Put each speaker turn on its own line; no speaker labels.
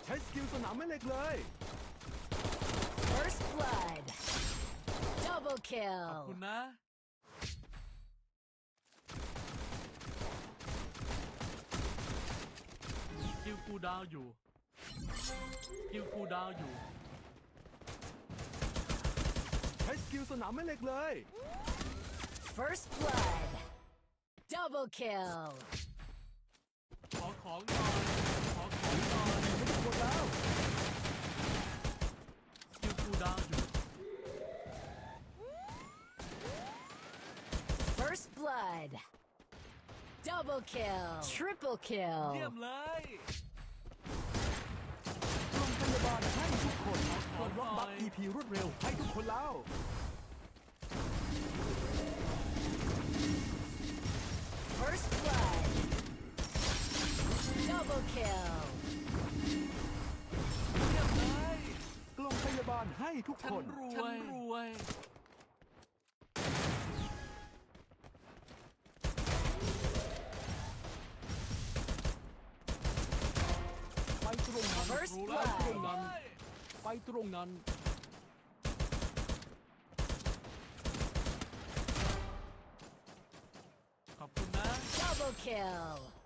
ช้สกิลสนามแม่เหล็กเลย
First blood. Double
ขอบ
kill.
คุณนะคิวคูลดาวน์อยู่คิวคูลดาวน์อยู่
ใช้สกิลสนามแม่เหล็กเลย
First blood. Double kill.
ขอของหน่อยขอของหน่อย
ไม่ต้องกดแล้ว
คิวคูลดาวน์อยู่
First blood. Double kill. Triple
เยี่ย
kill.
มเลย
โรงพยาบาลให้ทุกคนปลดล็อกบัฟ EP รวดเร็วให้ทุกคนแล้ว
First blood. Double kill.
เยี่ยมเลย
กล่องพยาบาลให้ทุก
ฉั
คน น
รวยฉันรวย
ไปตรงนั้น
First
ไป
blood
ตรงนั้น ไปตรงนั้น
ขอบคุณนะ
Double kill.